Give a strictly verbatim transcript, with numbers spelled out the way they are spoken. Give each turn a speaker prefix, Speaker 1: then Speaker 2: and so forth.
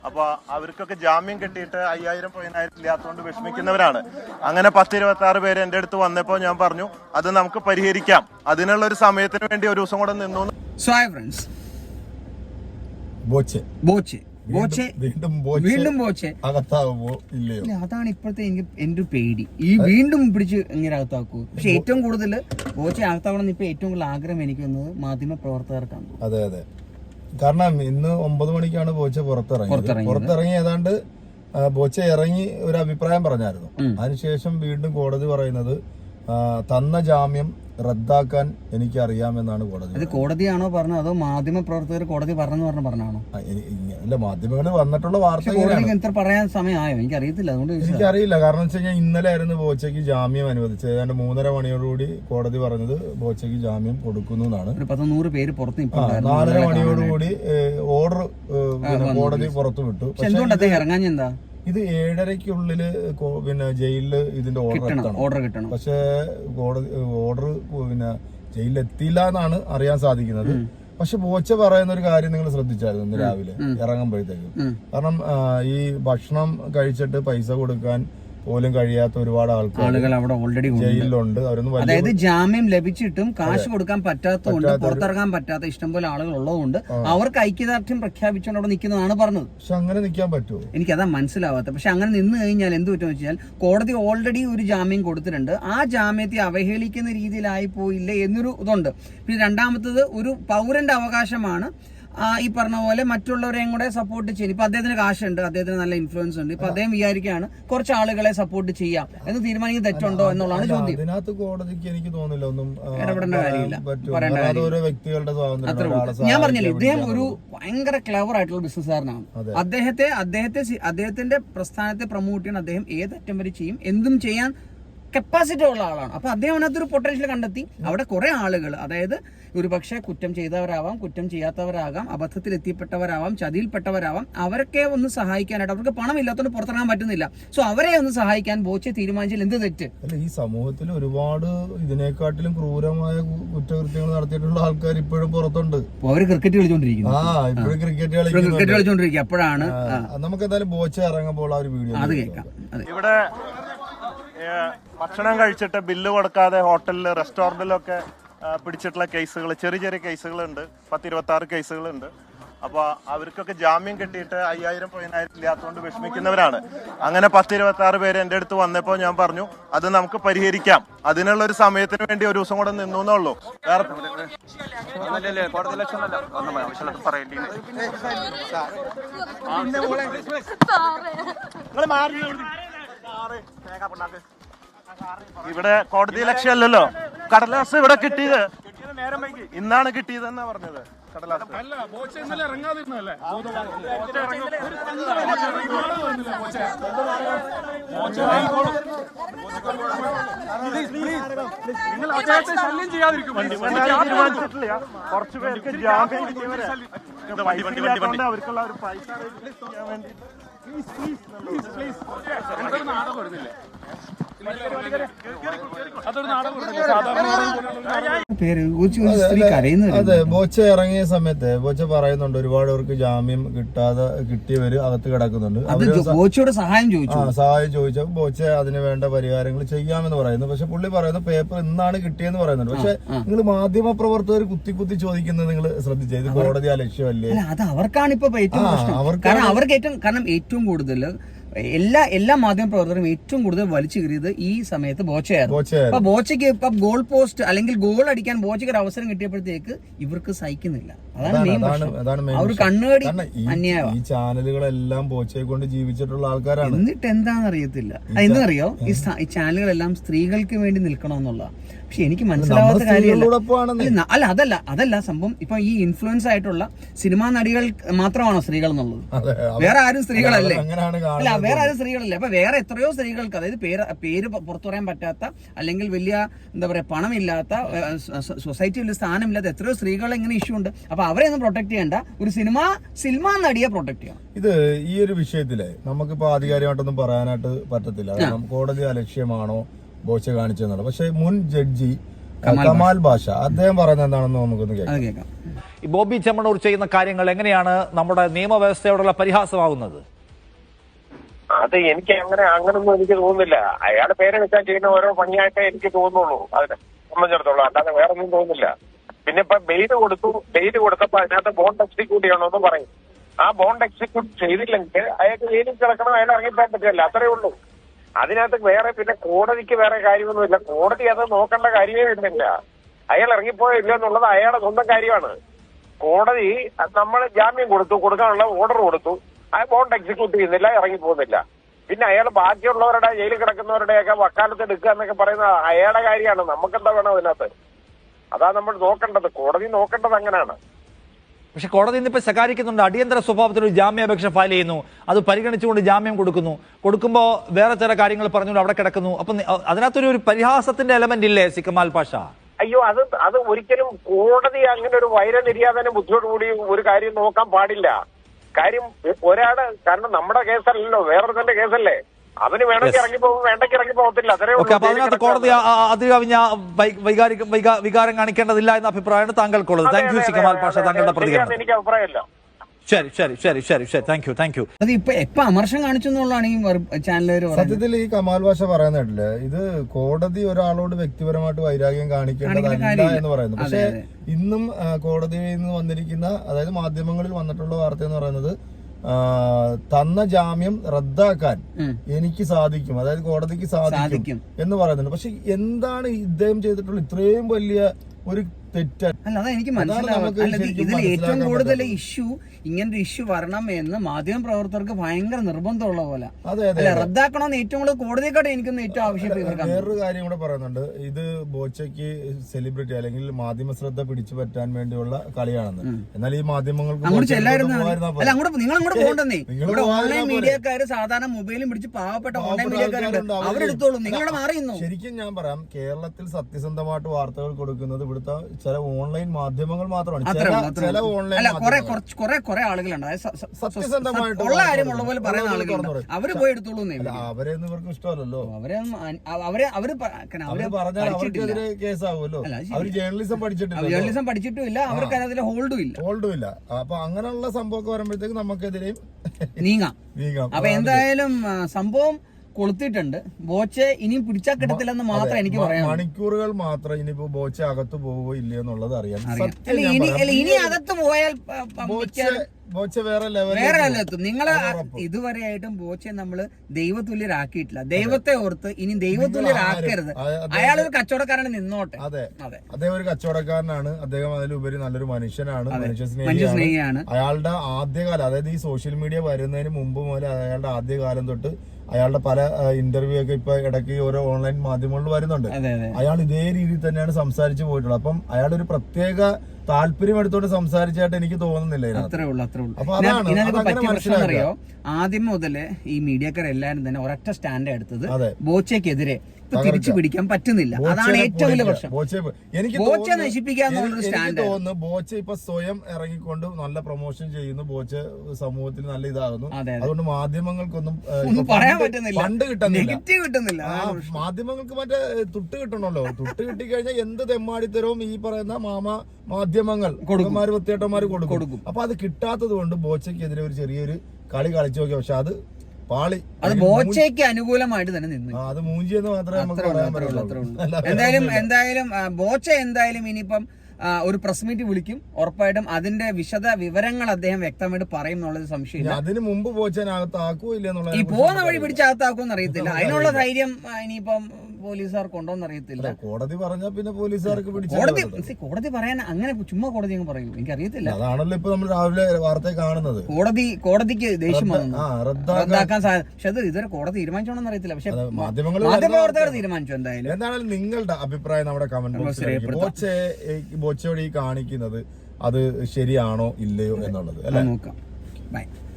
Speaker 1: അപ്പൊ അവർക്കൊക്കെ ജാമ്യം കിട്ടിയിട്ട് അയ്യായിരം പതിനായിരം ഇല്ലാത്തതുകൊണ്ട് വിഷമിക്കുന്നവരാണ്. അങ്ങനെ പത്ത് ഇരുപത്തി ആറ് പേര് എന്റെ അടുത്ത് വന്നപ്പോൾ ഞാൻ പറഞ്ഞു അത് നമുക്ക് പരിഹരിക്കാം, അതിനുള്ള ഒരു സമയത്തിന് വേണ്ടി ഒരു ദിവസം കൂടെ നിന്നു.
Speaker 2: So hi friends, Boche Boche Boche വീണ്ടും ബോച്ചെ
Speaker 3: അകത്താവുമോ ഇല്ലയോ?
Speaker 2: അതാണ് ഇപ്പോഴത്തെ എനിക്ക് എന്റെ പേടി. ഈ വീണ്ടും പിടിച്ച് ഇങ്ങനെ അകത്താക്കൂ. പക്ഷെ ഏറ്റവും കൂടുതൽ ബോച്ചെ അകത്താവണം ഇപ്പൊ ഏറ്റവും കൂടുതൽ ആഗ്രഹം എനിക്ക് വന്നത് മാധ്യമ പ്രവർത്തകർക്കാണ്.
Speaker 3: അതെ അതെ, കാരണം ഇന്ന് ഒമ്പത് മണിക്കാണ് ബോച്ച പുറത്തിറങ്ങി പുറത്തിറങ്ങി ഏതാണ്ട് ബോച്ച ഇറങ്ങി ഒരു അഭിപ്രായം പറഞ്ഞായിരുന്നു. അതിനുശേഷം വീണ്ടും കോടതി പറയുന്നത് തന്ന ജാമ്യം റദ്ദാക്കാൻ എനിക്ക് അറിയാമെന്നാണ് കോടതി.
Speaker 2: അത് കോടതിയാണോ പറഞ്ഞത് അതോ മാധ്യമ പ്രവർത്തകർ കോടതി പറഞ്ഞു പറഞ്ഞു പറഞ്ഞാണോ?
Speaker 3: അല്ല, മാധ്യമങ്ങളിൽ വന്നിട്ടുള്ള വാർത്ത
Speaker 2: പറയാൻ സമയമായോ എനിക്ക് അറിയത്തില്ല. അതുകൊണ്ട്
Speaker 3: എനിക്കറിയില്ല. കാരണം വെച്ച് കഴിഞ്ഞാൽ ഇന്നലെ ആയിരുന്നു ബോച്ചയ്ക്ക് ജാമ്യം അനുവദിച്ചത്. ഏതാണ്ട് മൂന്നര മണിയോടുകൂടി കോടതി പറഞ്ഞത് ബോച്ചയ്ക്ക് ജാമ്യം കൊടുക്കുന്നു എന്നാണ്.
Speaker 2: ഒരു പത്ത് നൂറ് പേര് പുറത്ത്
Speaker 3: നാലര മണിയോടുകൂടി ഓർഡർ കോടതി പുറത്തു വിട്ടു.
Speaker 2: എന്തുകൊണ്ട് അദ്ദേഹം ഇറങ്ങാൻ എന്താ?
Speaker 3: ഇത് ഏഴരയ്ക്കുള്ളില് പിന്നെ ജയിലില് ഇതിന്റെ ഓർഡർ
Speaker 2: ഓർഡർ കിട്ടണം.
Speaker 3: പക്ഷെ കോടതി ഓർഡർ പിന്നെ ജയിലിൽ എത്തിയില്ല എന്നാണ് അറിയാൻ സാധിക്കുന്നത്. പക്ഷെ ബോച്ച പറയുന്ന ഒരു കാര്യം നിങ്ങൾ ശ്രദ്ധിച്ചായിരുന്നു ഇന്ന് രാവിലെ ഇറങ്ങുമ്പോഴത്തേക്കും. കാരണം ഈ ഭക്ഷണം കഴിച്ചിട്ട് പൈസ കൊടുക്കാൻ പോലും കഴിയാത്ത ഒരുപാട് ആൾക്കാർ
Speaker 2: അവിടെ ഓൾറെഡി
Speaker 3: ജയിലിലുണ്ട്.
Speaker 2: അതായത് ജാമ്യം ലഭിച്ചിട്ടും കാശ് കൊടുക്കാൻ പറ്റാത്തതുകൊണ്ട്, പുറത്തിറങ്ങാൻ പറ്റാത്ത ഇഷ്ടംപോലെ ആളുകൾ ഉള്ളതുകൊണ്ട് അവർക്ക് ഐക്യദാർഢ്യം പ്രഖ്യാപിച്ചുകൊണ്ട് അവിടെ നിൽക്കുന്നതാണ് പറഞ്ഞത്.
Speaker 3: പക്ഷെ അങ്ങനെ നിൽക്കാൻ പറ്റുമോ?
Speaker 2: എനിക്കതാ മനസ്സിലാവാത്ത. പക്ഷെ അങ്ങനെ നിന്ന് കഴിഞ്ഞാൽ എന്ത് പറ്റുമെന്ന് വെച്ചാൽ കോടതി ഓൾറെഡി ഒരു ജാമ്യം കൊടുത്തിട്ടുണ്ട്. ആ ജാമ്യത്തെ അവഹേളിക്കുന്ന രീതിയിലായി പോയില്ലേ എന്നൊരു ഇതുണ്ട്. പിന്നെ രണ്ടാമത്തത് ഒരു പൗരന്റെ അവകാശമാണ് ഈ പറഞ്ഞ പോലെ മറ്റുള്ളവരെയും കൂടെ സപ്പോർട്ട് ചെയ്യും. ഇപ്പൊ അദ്ദേഹത്തിന് കാശുണ്ട്, അദ്ദേഹത്തിന് നല്ല ഇൻഫ്ലുവൻസ് ഉണ്ട്. ഇപ്പൊ അദ്ദേഹം വിചാരിക്കുകയാണ് കുറച്ച് ആളുകളെ സപ്പോർട്ട് ചെയ്യാം എന്ന് തീരുമാനിക്കുന്നത് തെറ്റുണ്ടോ എന്നുള്ളതാണ് ചോദ്യം.
Speaker 3: അതിനകത്ത് കോടതിക്ക് എനിക്ക് തോന്നുന്നില്ല ഒന്നും
Speaker 2: ഇടപെടേണ്ട കാര്യമില്ല, പറയേണ്ട
Speaker 3: കാര്യമില്ല.
Speaker 2: അത്ര ഞാൻ പറഞ്ഞില്ലേ, ഇദ്ദേഹം ഒരു ഭയങ്കര ക്ലവർ ആയിട്ടുള്ള ബിസിനസ്സുകാരനാണ്. അദ്ദേഹത്തെ അദ്ദേഹത്തെ അദ്ദേഹത്തിന്റെ പ്രസ്ഥാനത്തെ പ്രൊമോട്ട് ചെയ്യാൻ അദ്ദേഹം ഏതറ്റം വരെ ചെയ്യും, എന്തും ചെയ്യാൻ കപ്പാസിറ്റി ഉള്ള ആളാണ്. അപ്പൊ അദ്ദേഹം അതിനകത്തൊരു പൊട്ടൻഷ്യൽ കണ്ടെത്തി. അവിടെ കുറെ ആളുകൾ, അതായത് ഒരു പക്ഷേ കുറ്റം ചെയ്തവരാവാം, കുറ്റം ചെയ്യാത്തവരാകാം, അബദ്ധത്തിൽ എത്തിപ്പെട്ടവരാവാം, ചതിയിൽപ്പെട്ടവരാവാം, അവരൊക്കെ ഒന്ന് സഹായിക്കാനായിട്ട് അവർക്ക് പണം ഇല്ലാത്തതുകൊണ്ട് പുറത്തിറങ്ങാൻ പറ്റുന്നില്ല. സോ അവരെ ഒന്ന് സഹായിക്കാൻ ബോച്ചെ തീരുമാനിച്ചാൽ എന്ത് തെറ്റ്?
Speaker 3: അല്ല, ഈ സമൂഹത്തിൽ ഒരുപാട് ഇതിനെക്കാട്ടിലും ക്രൂരമായ കുറ്റകൃത്യങ്ങൾ നടത്തിയിട്ടുള്ള ആൾക്കാർ ഇപ്പോഴും പുറത്തുണ്ട്.
Speaker 2: അവര് ക്രിക്കറ്റ് കളിച്ചോണ്ടിരിക്കുന്നു.
Speaker 3: ആ ഇപ്പോഴും ക്രിക്കറ്റ്
Speaker 2: ക്രിക്കറ്റ് കളിച്ചോണ്ടിരിക്കുക. അപ്പോഴാണ്
Speaker 3: നമുക്ക് എന്തായാലും ബോച്ച ഇറങ്ങുമ്പോൾ ആ ഒരു വീഡിയോ
Speaker 2: അത് കേൾക്കാം.
Speaker 1: ഇവിടെ ഭക്ഷണം കഴിച്ചിട്ട് ബില്ല് കൊടുക്കാതെ ഹോട്ടലില് റെസ്റ്റോറന്റിലൊക്കെ പിടിച്ചിട്ടുള്ള കേസുകൾ, ചെറിയ ചെറിയ കേസുകളുണ്ട്. പത്ത് ഇരുപത്തി ആറ് കേസുകളുണ്ട്. അപ്പൊ അവർക്കൊക്കെ ജാമ്യം കിട്ടിയിട്ട് അയ്യായിരം പതിനായിരം ഇല്ലാത്തതുകൊണ്ട് വിഷമിക്കുന്നവരാണ്. അങ്ങനെ പത്ത് ഇരുപത്തി ആറ് പേര് എന്റെ അടുത്ത് വന്നപ്പോൾ ഞാൻ പറഞ്ഞു അത് നമുക്ക് പരിഹരിക്കാം, അതിനുള്ള ഒരു സമയത്തിന് വേണ്ടി ഒരു ദിവസം കൂടെ നിന്നു എന്നുള്ളൂ. വേറെ ഇവിടെ കോടതി ലക്ഷ്യമല്ലല്ലോ. കടലാസ് ഇവിടെ കിട്ടിയത് ഇന്നാണ് കിട്ടിയതെന്നാ പറഞ്ഞത്. കടലാസ് തീരുമാനിച്ചിട്ടില്ല. കുറച്ചു പേർക്ക് ജാമ്യം കിട്ടിയവരെ അവർക്കുള്ള ഒരു പൈസ ചെയ്യാൻ വേണ്ടി
Speaker 3: അതെ, ബോച്ച ഇറങ്ങിയ സമയത്ത് ബോച്ച പറയുന്നുണ്ട് ഒരുപാട് പേർക്ക് ജാമ്യം കിട്ടാതെ കിട്ടിയവര് അകത്ത് കിടക്കുന്നുണ്ട്.
Speaker 2: ബോച്ചയോട് സഹായം ചോദിച്ചു
Speaker 3: സഹായം ചോദിച്ചപ്പോൾ ബോച്ച അതിന് വേണ്ട പരിഹാരങ്ങൾ ചെയ്യാമെന്ന് പറയുന്നു. പക്ഷെ പുള്ളി പറയുന്നു പേപ്പർ ഇന്നാണ് കിട്ടിയെന്ന് പറയുന്നുണ്ട്. പക്ഷെ നിങ്ങൾ മാധ്യമ പ്രവർത്തകർ കുത്തി കുത്തി ചോദിക്കുന്നത് നിങ്ങൾ ശ്രദ്ധിച്ചത് ഇത് കോടതി ആ ലക്ഷ്യമല്ലേ?
Speaker 2: അത് അവർക്കാണ് ഇപ്പൊ ഏറ്റവും പ്രശ്നം. കാരണം അവർക്ക് ഏറ്റവും കാരണം ഏറ്റവും കൂടുതൽ എല്ലാ എല്ലാ മാധ്യമ പ്രവർത്തകരും ഏറ്റവും കൂടുതൽ വലിച്ചു കയറിയത് ഈ സമയത്ത് ബോച്ചയായിരുന്നു. അപ്പൊ ബോച്ചയ്ക്ക് ഇപ്പൊ ഗോൾ പോസ്റ്റ് അല്ലെങ്കിൽ ഗോൾ അടിക്കാൻ ബോച്ചയ്ക്ക് ഒരു അവസരം കിട്ടിയപ്പോഴത്തേക്ക് ഇവർക്ക് സഹിക്കുന്നില്ല. അതാണ് മെയിൻ പ്രശ്നം. അവർ കണ്ണുകടി അന്യായമാണ്.
Speaker 3: ഈ ചാനലുകളെല്ലാം ബോച്ചയെ കൊണ്ട് ജീവിച്ചിട്ടുള്ള ആൾക്കാരാണ്.
Speaker 2: എന്നിട്ട് എന്താണെന്ന് അറിയത്തില്ല. എന്നറിയോ, ഈ ചാനലുകളെല്ലാം സ്ത്രീകൾക്ക് വേണ്ടി നിൽക്കണമെന്നുള്ള. പക്ഷെ എനിക്ക് മനസ്സിലാവാത്ത കാര്യമല്ല. അല്ല അതല്ല അതല്ല സംഭവം. ഇപ്പൊ ഈ ഇൻഫ്ലുവൻസ് ആയിട്ടുള്ള സിനിമാ നടികൾ മാത്രമാണോ സ്ത്രീകൾ എന്നുള്ളത്? വേറെ ആരും സ്ത്രീകളല്ലേ? അല്ല വേറെ ആരും സ്ത്രീകളല്ലേ? അപ്പൊ വേറെ എത്രയോ സ്ത്രീകൾക്ക്, അതായത് പേര് പേര് പുറത്തു പറയാൻ പറ്റാത്ത അല്ലെങ്കിൽ വലിയ എന്താ പറയാ പണമില്ലാത്ത സൊസൈറ്റിയിൽ സ്ഥാനമില്ലാത്ത എത്രയോ സ്ത്രീകൾ ഇങ്ങനെ ഇഷ്യൂ ഉണ്ട്. അപ്പൊ അവരെ ഒന്നും പ്രൊട്ടക്ട് ചെയ്യേണ്ട, ഒരു സിനിമ സിനിമാ നടിയെ പ്രൊട്ടക്ട് ചെയ്യണം.
Speaker 3: ഇത് ഈ ഒരു വിഷയത്തില് നമുക്കിപ്പോ ആധികാരികമായിട്ടൊന്നും പറയാനായിട്ട് പറ്റത്തില്ല. കാരണം കോടതി അലക്ഷ്യമാണോ ബോച്ച കാണിച്ചെന്നുള്ളത്. പക്ഷെ മുൻ ജഡ്ജി കമാൽ ബാഷ അദ്ദേഹം പറയുന്നത് എന്താണെന്ന് നമുക്കൊന്ന് കേൾക്കാം.
Speaker 4: ഈ ബോബി ചെമ്മണ്ണൂർ ചെയ്യുന്ന കാര്യങ്ങൾ എങ്ങനെയാണ് നമ്മുടെ നിയമവ്യവസ്ഥയോടുള്ള പരിഹാസമാകുന്നത്?
Speaker 5: അത് എനിക്ക് അങ്ങനെ അങ്ങനൊന്നും എനിക്ക് തോന്നുന്നില്ല. അയാളുടെ പേര് വെച്ചാൽ ചെയ്യുന്ന ഓരോ പണിയായിട്ടേ എനിക്ക് തോന്നുള്ളൂ അതിനെ സംബന്ധിച്ചിടത്തോളം, അല്ലാതെ വേറെ ഒന്നും തോന്നുന്നില്ല. പിന്നെ ഇപ്പൊ ബെയില് കൊടുത്തു, ബെയില് കൊടുത്തപ്പോ അതിനകത്ത് ബോണ്ട് എക്സിക്യൂട്ട് ചെയ്യണമെന്ന് പറയും. ആ ബോണ്ട് എക്സിക്യൂട്ട് ചെയ്തില്ലെങ്കിൽ അയാൾക്ക് ജയിലിൽ കിടക്കണം, അയാൾ ഇറങ്ങിപ്പോൻ പറ്റില്ല, അത്രേ ഉള്ളൂ. അതിനകത്ത് വേറെ പിന്നെ കോടതിക്ക് വേറെ കാര്യമൊന്നുമില്ല. കോടതി അത് നോക്കേണ്ട കാര്യമേ വരുന്നില്ല. അയാൾ ഇറങ്ങിപ്പോയോ ഇല്ല എന്നുള്ളത് അയാളുടെ സ്വന്തം കാര്യമാണ്. കോടതി നമ്മൾ ജാമ്യം കൊടുത്തു, കൊടുക്കാനുള്ള ഓർഡർ കൊടുത്തു, ആ ബോണ്ട് എക്സിക്യൂട്ട് ചെയ്യുന്നില്ല, ഇറങ്ങി പോകുന്നില്ല. പിന്നെ അയാൾ ബാക്കിയുള്ളവരുടെ ജയിലിൽ കിടക്കുന്നവരുടെയൊക്കെ വക്കാലത്ത് എടുക്കുക എന്നൊക്കെ പറയുന്നത് അയാളുടെ കാര്യമാണ്. നമുക്കെന്താ വേണം അതിനകത്ത്? അതാ നമ്മൾ നോക്കേണ്ടത്, കോടതി നോക്കേണ്ടത് അങ്ങനെയാണ്.
Speaker 4: പക്ഷെ കോടതി ഇന്നിപ്പോ ശകാരിക്കുന്നുണ്ട്, അടിയന്തര സ്വഭാവത്തിൽ ഒരു ജാമ്യാപേക്ഷ ഫയൽ ചെയ്യുന്നു, അത് പരിഗണിച്ചുകൊണ്ട് ജാമ്യം കൊടുക്കുന്നു, കൊടുക്കുമ്പോൾ വേറെ ചില കാര്യങ്ങൾ പറഞ്ഞുകൊണ്ട് അവിടെ കിടക്കുന്നു. അപ്പൊ അതിനകത്തൊരു ഒരു പരിഹാസത്തിന്റെ എലമെന്റ് ഇല്ലേ സി കമാൽ പാഷ?
Speaker 5: അയ്യോ, അത് അത് ഒരിക്കലും കോടതി അങ്ങനെ ഒരു വൈരനിര്യാതന ബുദ്ധിയോടുകൂടി ഒരു കാര്യം നോക്കാൻ പാടില്ല. കാര്യം ഒരാള്, കാരണം നമ്മുടെ കേസല്ലല്ലോ, വേറൊരുത്തന്റെ കേസല്ലേ, അവന് വേണമെങ്കിൽ ഇറങ്ങി പോകും, വേണ്ടെങ്കിൽ ഇറങ്ങി പോകത്തില്ല, അത്രേ ഉള്ളൂ.
Speaker 4: അപ്പൊ അതിനകത്ത് കോടതി അതികവിഞ്ഞ വൈകാരിക വികാരം കാണിക്കേണ്ടതില്ല എന്ന അഭിപ്രായമാണ് താങ്കൾക്കുള്ളത്. Thank you C Kamal Pasha, താങ്കളുടെ പ്രതികരണം.
Speaker 5: എനിക്ക് അഭിപ്രായമല്ല.
Speaker 4: ശരി ശരി ശരി ശരി ശരി താങ്ക് യു താങ്ക് യു.
Speaker 2: അത് ഇപ്പൊ എപ്പൊ അമർഷം കാണിച്ചു എന്നുള്ളതാണ് ഈ ചാനലുകാർ.
Speaker 3: സത്യത്തിൽ ഈ കമാൽ ഭാഷ പറയുന്നില്ല, ഇത് കോടതി ഒരാളോട് വ്യക്തിപരമായിട്ട് വൈരാഗ്യം കാണിക്കേണ്ടതല്ല എന്ന് പറയുന്നു. പക്ഷെ ഇന്നും കോടതിയിൽ നിന്ന് വന്നിരിക്കുന്ന, അതായത് മാധ്യമങ്ങളിൽ വന്നിട്ടുള്ള വാർത്ത എന്ന് പറയുന്നത്, തന്ന ജാമ്യം റദ്ദാക്കാൻ എനിക്ക് സാധിക്കും, അതായത് കോടതിക്ക് സാധിക്കും എന്ന് പറയുന്നുണ്ട്. പക്ഷെ എന്താണ് ഇദ്ദേഹം ചെയ്തിട്ടുള്ള ഇത്രയും വലിയ ഒരു തെറ്റാണ്?
Speaker 2: അല്ല, അതാ എനിക്ക് മനസ്സിലാവും. ഇതിൽ ഏറ്റവും കൂടുതൽ ഇഷ്യൂ, ഇങ്ങനൊരു ഇഷ്യൂ വരണം എന്ന് മാധ്യമ പ്രവർത്തകർക്ക് ഭയങ്കര നിർബന്ധമുള്ള പോലെ. അല്ല, റദ്ദാക്കണമെന്ന് ഏറ്റവും കൂടുതൽ കോടതിയെക്കാട്ട് എനിക്കൊന്ന് ഏറ്റവും ആവശ്യം.
Speaker 3: വേറൊരു കാര്യം കൂടെ പറയുന്നുണ്ട്, ഇത് ബോച്ചയ്ക്ക് സെലിബ്രിറ്റി അല്ലെങ്കിൽ മാധ്യമ ശ്രദ്ധ പിടിച്ചു പറ്റാൻ വേണ്ടിയുള്ള കളിയാണെന്ന്. എന്നാൽ ഈ മാധ്യമങ്ങൾക്ക്
Speaker 2: അങ്ങോട്ട് ചെല്ലായിരുന്നു. അല്ല, അങ്ങോട്ട് നിങ്ങൾ അങ്ങോട്ട് പോകണ്ടെന്നേ. ഇവിടെ ഓൺലൈൻ മീഡിയക്കാര് സാധാരണ മൊബൈലും പിടിച്ച് പാവപ്പെട്ട ഓൺലൈൻ മീഡിയക്കാരുണ്ട്, അവരെടുത്തോളും, നിങ്ങളുടെ മാറിയുന്നു.
Speaker 3: ശരിക്കും ഞാൻ പറയാം, കേരളത്തിൽ സത്യസന്ധമായിട്ട് വാർത്തകൾ കൊടുക്കുന്നത് ഇവിടുത്തെ ചില ഓൺലൈൻ മാധ്യമങ്ങൾ മാത്രമാണ്. ചില ഓൺലൈൻ
Speaker 2: കുറെ കുറെ ആളുകളുണ്ട്
Speaker 3: സത്യസന്ധമായിട്ട്
Speaker 2: ഉള്ള കാര്യമുള്ള പോലെ പറയുന്ന ആളുകളുണ്ട്, അവര് പോയി എടുത്തോളൂ.
Speaker 3: അവരെയൊന്നും ഇവർക്ക് ഇഷ്ടമല്ലല്ലോ,
Speaker 2: അവരെ അവരെ അവര്
Speaker 3: അവര് പറഞ്ഞാൽ അവർക്കെതിരെ കേസാവുമല്ലോ. അവര് ജേർണലിസം പഠിച്ചിട്ടില്ല,
Speaker 2: ജേർണലിസം പഠിച്ചിട്ടും ഇല്ല, അവർക്ക് അതിൽ ഹോൾഡും ഇല്ല
Speaker 3: ഹോൾഡും ഇല്ല അപ്പൊ അങ്ങനെയുള്ള സംഭവമൊക്കെ വരുമ്പോഴത്തേക്ക് നമുക്കെതിരെയും
Speaker 2: നീങ്ങാം
Speaker 3: നീങ്ങാം.
Speaker 2: അപ്പൊ എന്തായാലും സംഭവം കൊളുത്തിട്ടുണ്ട്. ബോച്ചെ ഇനിയും പിടിച്ചാൽ കിട്ടത്തില്ലെന്ന് മാത്രം എനിക്ക് പറയാം.
Speaker 3: മണിക്കൂറുകൾ മാത്രം ഇനിയിപ്പോ ബോച്ച അകത്ത് പോവോ ഇല്ലയോ എന്നുള്ളത് അറിയാം.
Speaker 2: ഇനി അകത്ത് പോയാൽ
Speaker 3: ബോച്ച വേറെ
Speaker 2: വേറെ ലെവലെത്തും. നിങ്ങള് ഇതുവരെയായിട്ടും ബോച്ചെ നമ്മള് ദൈവതുല്യരാക്കിയിട്ടില്ല. ദൈവത്തെ ഓർത്ത് ഇനി ദൈവതുല്യരാക്കരുത്. അയാളൊരു കച്ചവടക്കാരന് നിന്നോട്ടെ.
Speaker 3: അതെ അതെ അദ്ദേഹം ഒരു കച്ചവടക്കാരനാണ്, അദ്ദേഹം അതിലുപരി നല്ലൊരു മനുഷ്യനാണ്, മനുഷ്യസ്നേഹിയാണ്. അയാളുടെ ആദ്യകാലം, അതായത് ഈ സോഷ്യൽ മീഡിയ വരുന്നതിന് മുമ്പ് മുതൽ അയാളുടെ ആദ്യകാലം തൊട്ട് അയാളുടെ പല ഇന്റർവ്യൂ ഒക്കെ ഇപ്പൊ ഇടയ്ക്ക് ഓരോ ഓൺലൈൻ മാധ്യമങ്ങളിൽ വരുന്നുണ്ട്. അയാൾ ഇതേ രീതിയിൽ തന്നെയാണ് സംസാരിച്ചു പോയിട്ടുള്ളത്. അപ്പം അയാളൊരു പ്രത്യേക താല്പര്യം എടുത്തോണ്ട് സംസാരിച്ചായിട്ട് എനിക്ക് തോന്നുന്നില്ല.
Speaker 2: അത്രേ ഉള്ളൂ അത്രേ ഉള്ളൂ. അറിയോ, ആദ്യം മുതല് ഈ മീഡിയക്കാർ എല്ലാരും തന്നെ ഒരൊറ്റ സ്റ്റാൻഡ് എടുത്തത് ബോച്ചയ്ക്കെതിരെ തിരിച്ചു പിടിക്കാൻ പറ്റുന്നില്ല. അതാണ് ഏറ്റവും വലിയ പ്രശ്നം. ബോച്ച നശിപ്പിക്കാന്നുള്ളൊരു സ്റ്റാൻഡ്
Speaker 3: തോന്നുന്നു. ബോച്ച ഇപ്പൊ സ്വയം ഇറങ്ങിക്കൊണ്ട് നല്ല പ്രൊമോഷൻ ചെയ്യുന്നു, ബോച്ച സമൂഹത്തിൽ നല്ല ഇതാകുന്നു. അതുകൊണ്ട് മാധ്യമങ്ങൾക്കൊന്നും
Speaker 2: പറയാൻ പറ്റുന്നില്ല,
Speaker 3: ഫണ്ട് കിട്ടുന്നില്ല,
Speaker 2: കിട്ടുന്നില്ല.
Speaker 3: മാധ്യമങ്ങൾക്ക് മറ്റേ തുട്ട് കിട്ടണല്ലോ. തുട്ട് കിട്ടിക്കഴിഞ്ഞാൽ എന്ത് തെമ്മാടിത്തരവും ഈ പറയുന്ന മാമ മാധ്യമങ്ങൾ കൊടുക്കുമാര് വൃത്തിയേട്ടന്മാര് കൊടുക്കും. അപ്പൊ അത് കിട്ടാത്തത് കൊണ്ട് ബോച്ചയ്ക്കെതിരെ ഒരു ചെറിയൊരു കളി കളിച്ചു നോക്കി. പക്ഷെ അത് പാളി,
Speaker 2: അത് ബോച്ചയ്ക്ക് അനുകൂലമായിട്ട് തന്നെ നിന്നു.
Speaker 3: അത് മൂഞ്ചി എന്ന് മാത്രമേ നമുക്ക് പറയാൻ പറ്റുള്ളൂ.
Speaker 2: എന്തായാലും എന്തായാലും ബോച്ച എന്തായാലും ഇനിയിപ്പം ഒരു പ്രസ് മീറ്റ് വിളിക്കും, ഉറപ്പായിട്ടും അതിന്റെ വിശദ വിവരങ്ങൾ അദ്ദേഹം വ്യക്തമായിട്ട് പറയും എന്നുള്ളത് സംശയമില്ല.
Speaker 3: അതിന് മുമ്പ് ബോച്ചനകത്ത് ആക്കുവോ ഇല്ല എന്നുള്ള
Speaker 2: ഈ പോകുന്ന വഴി പിടിച്ചകത്താക്കുമെന്ന് അറിയത്തില്ല. അതിനുള്ള ധൈര്യം ഇനിയിപ്പം പോലീസുകാർക്ക് ഉണ്ടോന്ന് അറിയത്തില്ല.
Speaker 3: കോടതി പറഞ്ഞാൽ പിന്നെ പോലീസുകാർക്ക്
Speaker 2: കോടതി കോടതി പറയാൻ അങ്ങനെ ചുമ്മാ കോടതി അങ്ങ് പറയൂ, എനിക്കറിയത്തില്ല.
Speaker 3: അതാണല്ലോ ഇപ്പൊ നമ്മൾ രാവിലെ വാർത്ത കാണുന്നത്.
Speaker 2: കോടതി കോടതിക്ക് ദേഷ്യം വന്നു റദ്ദാക്കാൻ സാധ്യത. പക്ഷെ അത് ഇതുവരെ കോടതി തീരുമാനിച്ചോണെന്ന് അറിയത്തില്ല. പക്ഷെ
Speaker 3: മാധ്യമങ്ങൾ
Speaker 2: മാധ്യമപ്രവർത്തകർ തീരുമാനിച്ചു. എന്തായാലും
Speaker 3: എന്തായാലും നിങ്ങളുടെ അഭിപ്രായം നമ്മുടെ കമന്റ് ബോക്സിൽ ബോച്ചെ ബോച്ചയോട് ഈ കാണിക്കുന്നത് അത് ശരിയാണോ ഇല്ലയോ എന്നുള്ളത് അല്ലെ,
Speaker 2: നോക്കാം. ബൈ.